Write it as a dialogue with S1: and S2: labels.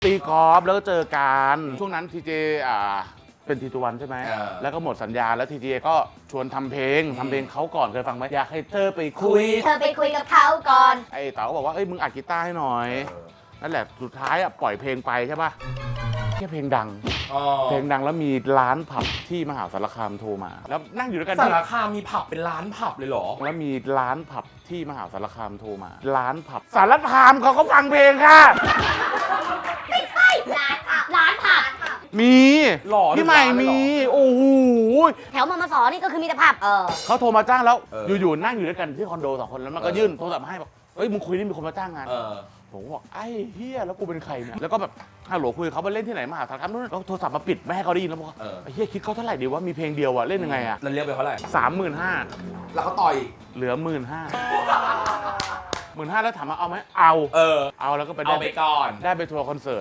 S1: ตีกอล์ฟแล้วก็เจอกันช่วงนั้นทีเจเป็นทีตัววันใช่ไหมแล้วก็หมดสัญญาแล้วทีเจก็ชวนทำเพลงเขาก่อนเคยฟังไหมอยากให้เธอไปคุย
S2: เธอไปคุยกับเขาก่อน
S1: ไอ้เต๋าก็บอกว่าเอ้ยมึงอัดกีตาร์ให้หน่อยนั่นแหละสุดท้ายปล่อยเพลงไปใช่ป่ะแค่เพลงดังแล้วมีร้านผับที่มหาสารคามโทรมาแล้วนั่งอยู่ด้วยกัน
S3: สารคามมีผับเป็นร้านผับเลยเหรอ
S1: แล้วมีร้านผับที่มหาสารคามโทรมาร้านผับสารคามเขาก็ฟังเพลงค่ะ
S2: ไม่ใช่ร้านผับ
S1: มี
S3: หล่อ
S1: พี่ใหม่มีโอ้โห
S2: แถวมมสนี่ก็คือมีแต่ผับ
S1: เขาโทรมาจ้างแล้วอยู่ๆนั่งอยู่ด้วยกันที่คอนโด2 คนแล้วมันก็ยื่นโทรศัพท์มาให้บอกเฮ้ยมึงคุยนี่มีคนมาจ้างงานผมบอกไอ้เฮียแล้วกูเป็นใครเนี่ยแล้วก็แบบฮัลโหลคุยเขาไปเล่นที่ไหนมหาสารคามนู้นแล้วโทรศัพท์มาปิดไม่ให้เขาได้ยินแล้วบอกไอ้เฮียคิดเขาเท่าไหร่ดีว่ามีเพลงเดียวอะเล่นยังไงอะ
S3: แล้วเรียกไปเท่าไหร่
S1: 35,000
S3: แล้วเขาต่อย
S1: เหลือ 15,000แล้วถามว่าเอาไหมเอาแล้วก็ไป
S3: เอาไปก่อน
S1: ได้ไปทัวร์คอนเสิร์ต